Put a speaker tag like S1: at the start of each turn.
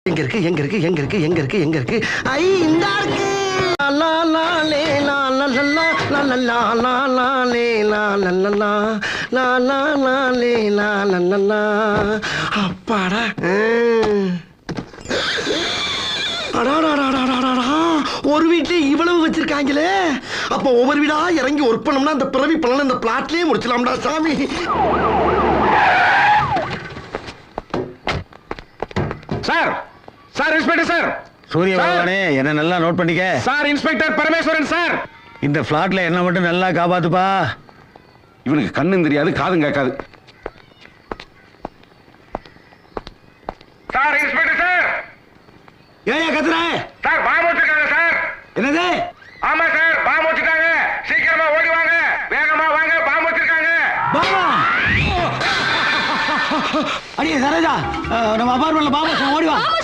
S1: எங்க இருக்கு எங்க இருக்கு எங்க இருக்கு எங்க இருக்கு எங்க இருக்கு ஐ இந்த இருக்கு லா லா லே லா லா லா லா லா லா லா லே லா லா லா லா லா லா லே லா லா லா அப்பாடா ஒரு வீட்ல இவ்வளவு வச்சிருக்காங்களே அப்ப ஒவ்வொரு வீடா இறங்கி ஒர்க் பண்ணோம்னா அந்த பிறவி பலன் இந்த பிளாட்லயே முடிச்சலாம்டா சாமி.
S2: சார் சார் இன்ஸ்பெக்டர் சார்
S3: சூரிய பகவானே என்ன நல்லா நோட் பண்ணிக்க.
S2: Sir inspector Parameswaran sir.
S3: இந்த பிளாட்ல என்ன மட்டும் நல்லா காப்பாத்துப்பா.
S2: இவனுக்கு கண்ணும் தெரியாது காதும் கேட்காது. Sir inspector sir.
S3: ஏயா கத்துற?
S2: சார் பாம்பு வச்சிருக்காங்க சார்.
S3: என்னது?
S2: ஆமா சார் பாம்பு வச்சிருக்காங்க. சீக்கிரமா ஓடி வாங்க, வேகமா வாங்க, பாம்பு வச்சிருக்காங்க.
S3: பாம்பா? அடியே சரோஜா, நம்ம அபார்ட்மெண்ட்ல பாம்பு ஓடி வா.